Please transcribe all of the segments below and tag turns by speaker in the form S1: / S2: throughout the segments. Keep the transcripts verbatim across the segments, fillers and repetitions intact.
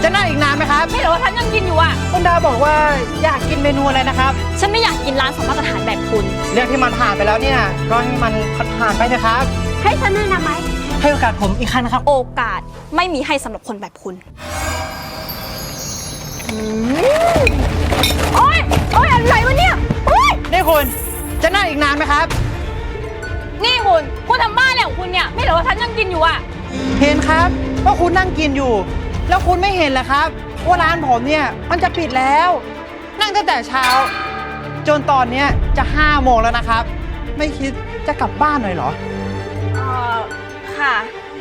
S1: จะนั่งอีกนานไหมครับ
S2: ไม่รู้ว่าฉันยังกินอยู่อ่ะ
S1: คุณดาบอกว่าอยากกินเมนูอะไรนะครับ
S2: ฉันไม่อยากกินร้านสองมาตรฐานแบบคุณ
S1: เรื่องที่มันผ่านไปแล้วเนี่ยก็ให้มันผ่านไปนะครับ
S3: ให้ฉันแนะนำไหม
S1: ให้โอกาสผมอีกครั้งนะครับ
S2: โอกาสไม่มีให้สำหรับคนแบบคุณโอ๊ยโอ๊ยอะไรวะเนี่ยโอ๊ย
S1: นี่คุณจะนั่งอีกนานไหมครับ
S2: นี่คุณคุณทำบ้าอะไรของคุณเนี่ยไม่รู้ว่าฉันยังกินอยู่อ่ะ
S1: เห็นครับว่าคุณนั่งกินอยู่แล้วคุณไม่เห็นเหรอครับว่าร้านผมเนี่ยมันจะปิดแล้วนั่งตั้งแต่เช้าจนตอนนี้จะห้าโมงแล้วนะครับไม่คิดจะกลับบ้านหน่อยเหรอ
S2: เออค่ะ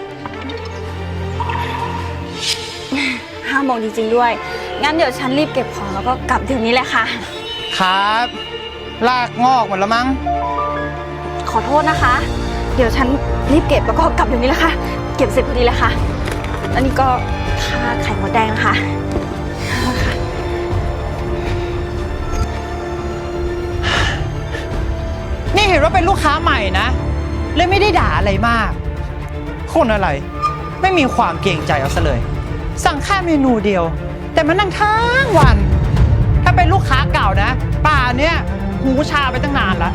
S2: ห้าโมงจริงๆด้วยงั้นเดี๋ยวฉันรีบเก็บของแล้วก็กลับเดี๋ยวนี้เลยค่ะ
S1: ครับลากงอกหมดแล้วมั้ง
S2: ขอโทษนะคะเดี๋ยวฉันรีบเก็บแล้วก็กลับเดี๋ยวนี้แหละค่ะเก็บเสร็จพอดีเลยค่ะอันนี้ก็ค่าไข่มดแดงนะคะ
S1: นี่เห็นว่าเป็นลูกค้าใหม่นะเลยไม่ได้ด่าอะไรมากคนอะไรไม่มีความเกรงใจเอาซะเลยสั่งแค่เมนูเดียวแต่มานั่งทั้งวันถ้าเป็นลูกค้าเก่านะป่าเนี้ยหูชาไปตั้งนานแล้ว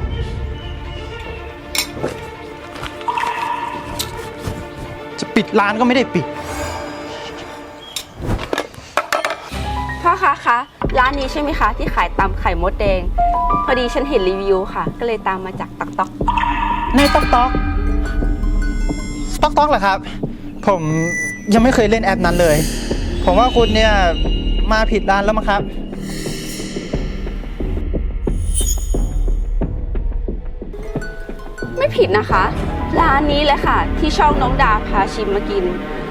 S1: จะปิดร้านก็ไม่ได้ปิด
S3: พ่อคะคะร้านนี้ใช่ไหมคะที่ขายตำไข่มดแดงพอดีฉันเห็นรีวิวค่ะก็เลยตามมาจากต๊อกต๊อก
S1: ในต๊อกต๊อกต๊อกต๊อกเหรอครับผมยังไม่เคยเล่นแอปนั้นเลยผมว่าคุณเนี่ยมาผิดร้านแล้วมั้งครับ
S3: ไม่ผิดนะคะร้านนี้แหละค่ะที่ช่องน้องดาพาชิมมากิน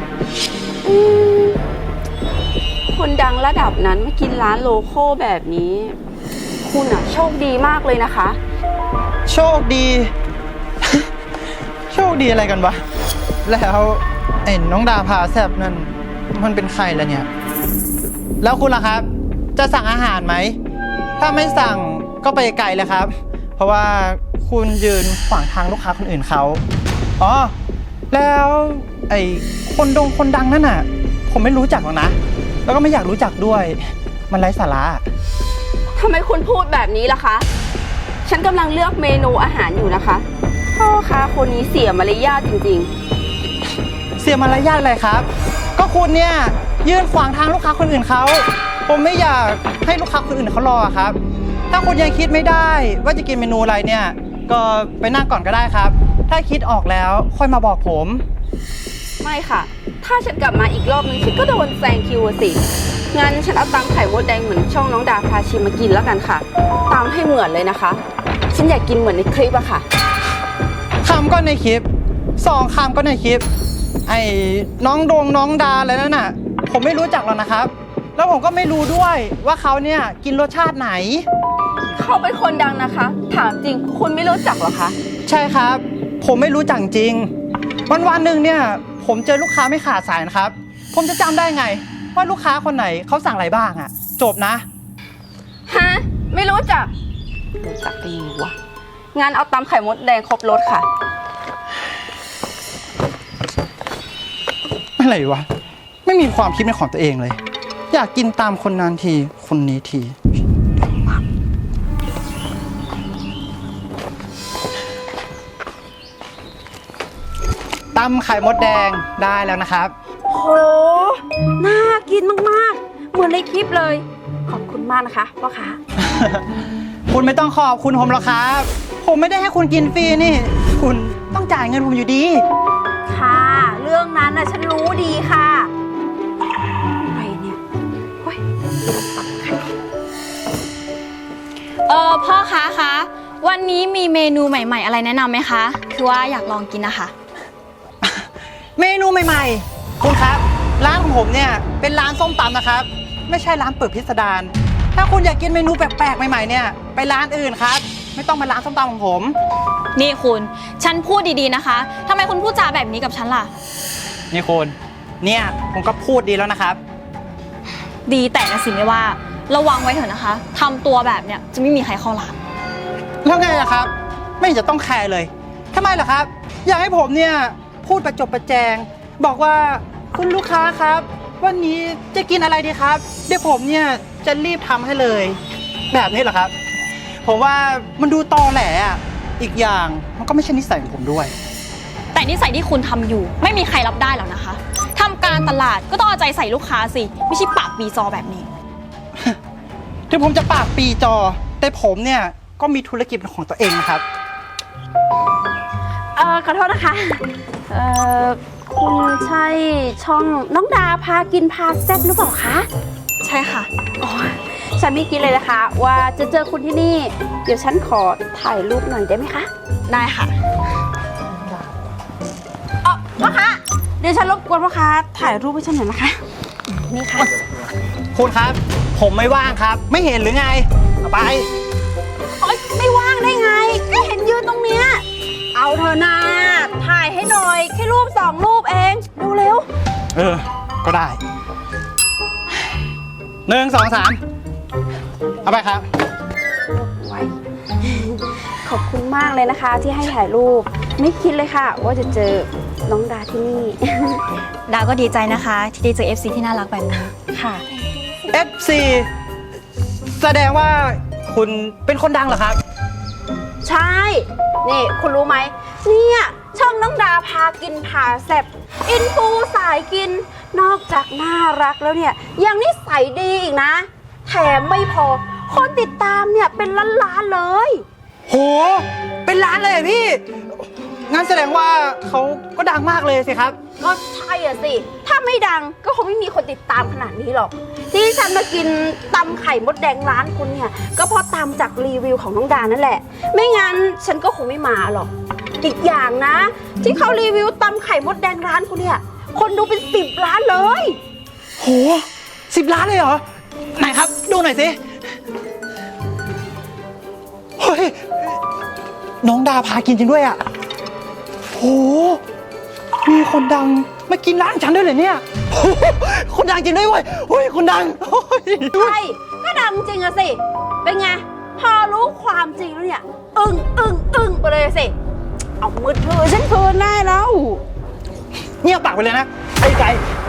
S3: คนดังระดับนั้นมากินร้านโลโก้แบบนี้คุณอะโชคดีมากเลยนะคะ
S1: โชคดี โชคดีอะไรกันวะแล้วไอ้น้องดาพาแซบนั่นมันเป็นใครล่ะเนี่ยแล้วคุณล่ะครับจะสั่งอาหารไหมถ้าไม่สั่งก็ไปไกลเลยครับเพราะว่าคุณยืนขวางทางลูกค้าคนอื่นเขาอ๋อแล้วไอ้คนดงคนดังนั่นน่ะผมไม่รู้จักหรอกนะแล้วก็ไม่อยากรู้จักด้วยมันไร้สาระ
S3: ทำไมคุณพูดแบบนี้ล่ะคะฉันกำลังเลือกเมนูอาหารอยู่นะคะพ่อค้าคนนี้เสียมารยาทจริง
S1: ๆเสียมารยาทอะไรครับก็คุณเนี่ยยืนขวางทางลูกค้าคนอื่นเขาผมไม่อยากให้ลูกค้าคนอื่นเขารอครับถ้าคุณยังคิดไม่ได้ว่าจะกินเมนูอะไรเนี่ยก็ไปนั่งก่อนก็ได้ครับถ้าคิดออกแล้วค่อยมาบอกผม
S3: ไม่ค่ะถ้าฉันกลับมาอีกรอบนึงฉันก็โดนแซงคิวสิงั้นฉันเอาตำไข่มดแดงเหมือนช่องน้องดาพาชิมมากินแล้วกันค่ะตำให้เหมือนเลยนะคะฉันอยากกินเหมือนในคลิปอะค่ะ
S1: คำก็ในคลิปสองคำก็ในคลิปไอ้น้องดงน้องดาอะไรนั่นน่ะผมไม่รู้จักหรอกนะครับแล้วผมก็ไม่รู้ด้วยว่าเขาเนี่ยกินรสชาติไหน
S3: เขาเป็นคนดังนะคะถามจริงคุณไม่รู้จักหรอคะ
S1: ใช่ครับผมไม่รู้จักจริงวันวันหนึ่งเนี่ยผมเจอลูกค้าไม่ขาดสายนะครับผมจะจำได้ไงว่าลูกค้าคนไหนเขาสั่งอะไรบ้างอะจบนะ
S3: ฮะไม่รู้จักรู้จักได้ยังวะงั้นเอาตำไข่มดแดงครบรสค่ะ
S1: อะไรวะไม่มีความคิดเป็นของตัวเองเลยอยากกินตามคนนั้นทีคนนี้ทีตำไข่มดแดงได้แล้วนะครับ
S3: โหน่ากินมากๆเหมือนในคลิปเลยขอบคุณมากนะคะพ่อค้า
S1: คุณไม่ต้องขอบคุณผมหรอกครับผมไม่ได้ให้คุณกินฟรีนี่คุณต้องจ่ายเงินผมอยู่ดี
S3: ค่ะเรื่องนั้นน่ะฉันรู้ดีค่ะอะไรเนี่ยโอ้ยตับไข่
S2: เออพ่อค้าคะวันนี้มีเมนูใหม่ๆอะไรแนะนำไหมคะคือว่าอยากลองกินนะคะ
S1: เมนูใหม่ๆคุณครับร้านของผมเนี่ยเป็นร้านส้มตำนะครับไม่ใช่ร้านเปิดพิสดารถ้าคุณอยากกินเมนูแปลกๆใหม่ๆเนี่ยไปร้านอื่นครับไม่ต้องมาร้านส้มตำของผม
S2: นี่คุณฉันพูดดีๆนะคะทำไมคุณพูดจาแบบนี้กับฉันล่ะ
S1: นี่คุณเนี่ยผมก็พูดดีแล้วนะครับ
S2: ดีแต่นะสิไม่ว่าระวังไว้เถอะนะคะทำตัวแบบเนี้ยจะไม่มีใครเข้าร้าน
S1: แล้วไงล่ะครับไม่เห็นจะต้องแคร์เลยทำไมล่ะครับอยากให้ผมเนี่ยพูดประจบประแจงบอกว่าคุณลูกค้าครับวันนี้จะกินอะไรดีครับ เดี๋ยวผมเนี่ยจะรีบทำให้เลย แบบนี้เหรอครับ ผมว่ามันดูตอแหลอ่ะ อีกอย่างมันก็ไม่ใช่นิสัยของผมด้วย
S2: แต่นิสัยที่คุณทำอยู่ไม่มีใครรับได้หรอกนะคะทำการตลาดก็ต้องเอาใจใส่ลูกค้าสิไม่ใช่ปากปีจอแบบนี้
S1: ถึงผมจะปากปีจอ แต่ผมเนี่ยก็มีธุรกิจเป็นของตัวเองนะครับ
S3: เออขอโทษนะคะ เออคุณใช่ช่องน้องดาพากินพาแซ่บหรือเปล่าคะ
S2: ใช่ค่ะ
S3: อ๋อฉันไม่คิดเลยนะคะ ว่าจะเจอคุณที่นี่ เดี๋ยวฉันขอถ่ายรูปหน่อยได้ไหมคะ
S2: ได้ค่ะ
S3: อ๋อพ่อคะเดี๋ยวฉันรบกวนพ่อคะถ่ายรูปให้ฉันหน่อยนะคะ นี่ค่ะ
S1: คุณครับ ผมไม่ว่างครับ ไม่เห็นหรือไงเอาไป
S3: โอ๊ยไม่ว่างได้ไง ก็เห็นยืนตรงเนี้ยเอาเธอนาถ่ายให้หน่อย แค่รูปสองรูปเองดูเร็ว
S1: เออ ก็ได้หนึ่งสองสามเอาไปครับ
S3: ไว้ ขอบคุณมากเลยนะคะ ที่ให้ถ่ายรูป ไม่คิดเลยค่ะ ว่าจะเจอน้องดาที่นี่
S2: ดาวก็ดีใจนะคะที่ได้เจอ เอฟ ซี ที่น่ารักแบบนี้
S3: ค่ะ
S1: เอฟ ซี แสดงว่าคุณเป็นคนดังเหรอครับ
S3: ใช่ นี่คุณรู้ไหมเนี่ยช่องน้องดาพากินพาแซ่บอินฟูสายกิน นอกจากน่ารักแล้วเนี่ยยังนิสัยดีอีกนะ แถมไม่พอ คนติดตามเนี่ยเป็นล้านๆเลย
S1: โห เป็นล้านเลยเหรอพี่ งั้นแสดงว่าเขาก็ดังมากเลยสิครับ
S3: ก็ใช่อะสิ ถ้าไม่ดังก็คงไม่มีคนติดตามขนาดนี้หรอก ที่ฉันมากินตำไข่มดแดงร้านคุณเนี่ย ก็เพราะตามจากรีวิวของน้องดานั่นแหละ ไม่งั้นฉันก็คงไม่มาหรอก อีกอย่างนะ ที่เขารีวิวตำไข่มดแดงร้านคุณเนี่ย คนดูเป็นสิบล้านเลย
S1: โหสิบล้านเลยเหรอ ไหนครับ ดูหน่อยสิ เฮ้ย น้องดาพากินจริงด้วยอ่ะโห มีคนดังมากินร้านฉันด้วยเหรอเนี่ยโหคนดังจริงด้วยเว้ยเฮ้ยคนดังโอ้ย
S3: ใช่ก็ดังจริงอะสิ เป็นไง พอรู้ความจริงแล้วเนี่ย อึ้งอึ้งอึ้งไปเลยสิ เอามือถือฉันคืนได้แล้ว
S1: เงียบปากไปเลยนะ ไอ้ไก่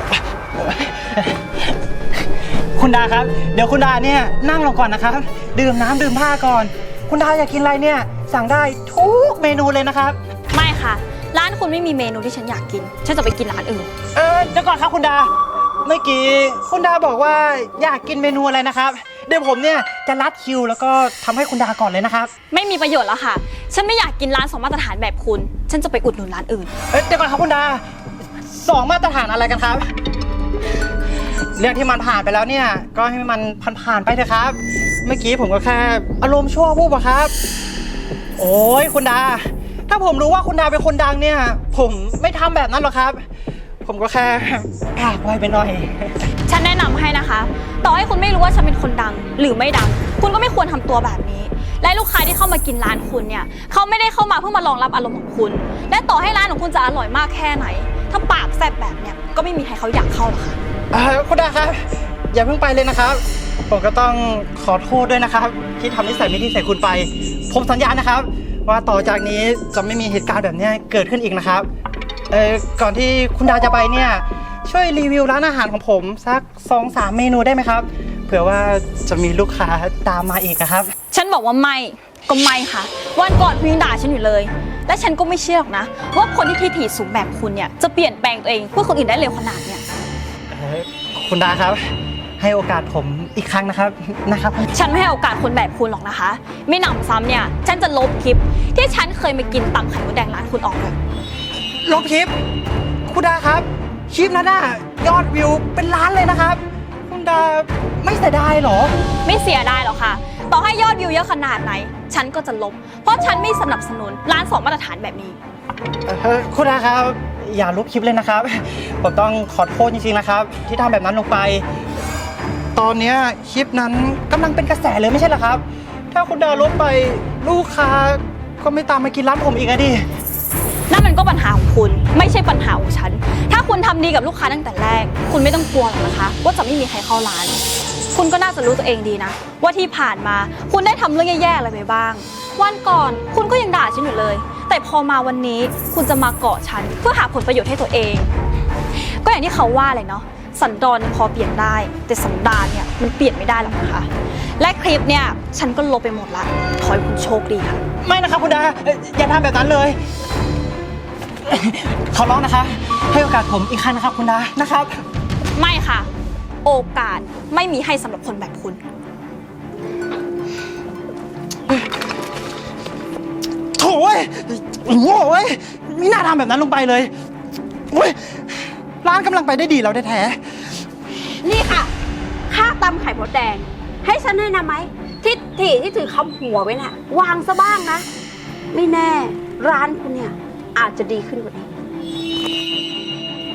S1: คุณดาครับ เดี๋ยวคุณดาเนี่ยนั่งลงก่อนนะครับ ดื่มน้ำดื่มผ้าก่อน คุณดาอยากกินอะไรเนี่ย สั่งได้ทุกเมนูเลยนะครับ
S2: ไม่ค่ะ ร้านคุณไม่มีเมนูที่ฉันอยากกิน ฉันจะไปกินร้านอื่น
S1: เออเดี๋ยวก่อนครับคุณดา เมื่อกี้คุณดาบอกว่าอยากกินเมนูอะไรนะครับ เดี๋ยวผมเนี่ยจะรัดคิวแล้วก็ทำให้คุณดาก่อนเลยนะครับ
S2: ไม่มีประโยชน์แล้วค่ะ ฉันไม่อยากกินร้านสองมาตรฐานแบบคุณ ฉันจะไปอุดหนุนร้านอื่น
S1: เอ้ยเดี๋ยวก่อนครับคุณดาสองมาตรฐานอะไรกันครับ เรื่องที่มันผ่านไปแล้วเนี่ยก็ให้มันผ่านๆไปเถอะครับ เมื่อกี้ผมก็แค่อารมณ์ชั่ววูบอะครับ โอ้ยคุณดา ถ้าผมรู้ว่าคุณดาเป็นคนดังเนี่ย ผมไม่ทำแบบนั้นหรอกครับ ผมก็แค่ปากไวไปหน่อย
S2: ฉันแนะนำให้นะคะ ต่อให้คุณไม่รู้ว่าฉันเป็นคนดัง หรือไม่ดัง คุณก็ไม่ควรทำตัวแบบนี้ และลูกค้าที่เข้ามากินร้านคุณเนี่ยเขาไม่ได้เข้ามาเพื่อมารองรับอารมณ์ของคุณ และต่อให้ร้านของคุณจะอร่อยมากแค่ไหน ถ้าปากแซ่บแบบเนี้ยก็ไม่มีใครเขาอยากเข้าหรอกค่ะ
S1: เอ่อคุณดาครับ อย่าเพิ่งไปเลยนะครับ ผมก็ต้องขอโทษด้วยนะครับ ที่ทำนิสัยไม่ดีใส่คุณไป ผมสัญญานะครับ ว่าต่อจากนี้จะไม่มีเหตุการณ์แบบนี้เกิดขึ้นอีกนะครับเอ่อก่อนที่คุณดาจะไปเนี่ยช่วยรีวิวร้านอาหารของผมสักสองสามเมนูได้ไหมครับเผื่อว่าจะมีลูกค้าตามมาอีกนะครับ
S2: ฉันบอกว่าไม่ก็ไม่ค่ะ วันก่อนคุณยังด่าฉันอยู่เลย และฉันก็ไม่เชื่อหรอกนะ ว่าคนที่ทิฐิสูงแบบคุณเนี่ยจะเปลี่ยนแปลงตัวเองเพื่อคนอื่นได้เร็วขนาดเนี้ย
S1: เอ่อคุณดาครับ ให้โอกาสผมอีกครั้งนะครับนะครับ
S2: ฉันไม่ให้โอกาสคนแบบคุณหรอกนะคะ ไม่หนำซ้ำเนี่ยฉันจะลบคลิปที่ฉันเคยมากินตำไข่มดแดงร้านคุณออกเลย
S1: ลบคลิป คุณดาครับ คลิปนั้นน่ะยอดวิวเป็นล้านเลยนะครับ คุณดาไม่เสียดายเหรอ
S2: ไม่เสียดายหรอกค่ะ ต่อให้ยอดวิวเยอะขนาดไหน ฉันก็จะลบ เพราะฉันไม่สนับสนุนร้านสองมาตรฐานแบบนี้
S1: เอ่อคุณดาครับ อย่าลบคลิปเลยนะครับ ผมต้องขอโทษจริงๆนะครับ ที่ทำแบบนั้นลงไป ตอนเนี้ยคลิปนั้นกำลังเป็นกระแสเลยไม่ใช่เหรอครับ ถ้าคุณดาลบไปลูกค้าก็ไม่ตามมากินร้านผมอีกอะดิ
S2: นั่นมันก็ปัญหาของคุณ ไม่ใช่ปัญหาของฉัน ถ้าคุณทำดีกับลูกค้าตั้งแต่แรก คุณไม่ต้องกลัวหรอกนะคะ ว่าจะไม่มีใครเข้าร้าน คุณก็น่าจะรู้ตัวเองดีนะ ว่าที่ผ่านมาคุณได้ทำเรื่องแย่ๆอะไรไปบ้าง วันก่อนคุณก็ยังด่าฉันอยู่เลย แต่พอมาวันนี้คุณจะมาเกาะฉันเพื่อหาผลประโยชน์ให้ตัวเอง ก็อย่างที่เขาว่าเลยเนาะสันดอนพอเปลี่ยนได้ แต่สันดานเนี่ยมันเปลี่ยนไม่ได้หรอกนะคะ และคลิปเนี่ยฉันก็ลบไปหมดละขอให้คุณโชคดีค่ะ
S1: ไม่นะครับคุณดาเอ่ออย่าทำแบบนั้นเลย ขอร้องนะคะ ให้โอกาสผมอีกครั้งนะครับคุณดานะครับ
S2: ไม่ค่ะ โอกาสไม่มีให้สำหรับคนแบบคุณ
S1: โถ่เว้ยโง่เว้ยไม่น่าทำแบบนั้นลงไปเลยเว้ยร้านกำลังไปได้ดีแล้วแท้
S3: นี่ค่ะ ค่าตำไข่มดแดง ให้ฉันแนะนำไหมทิศที่ที่ถือคำหัวไว้น่ะ วางซะบ้างนะ ไม่แน่ ร้านคุณเนี่ย อาจจะดีขึ้นกว่านี้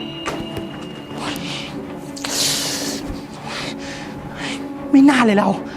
S1: ๆไม่น่าเลยเรา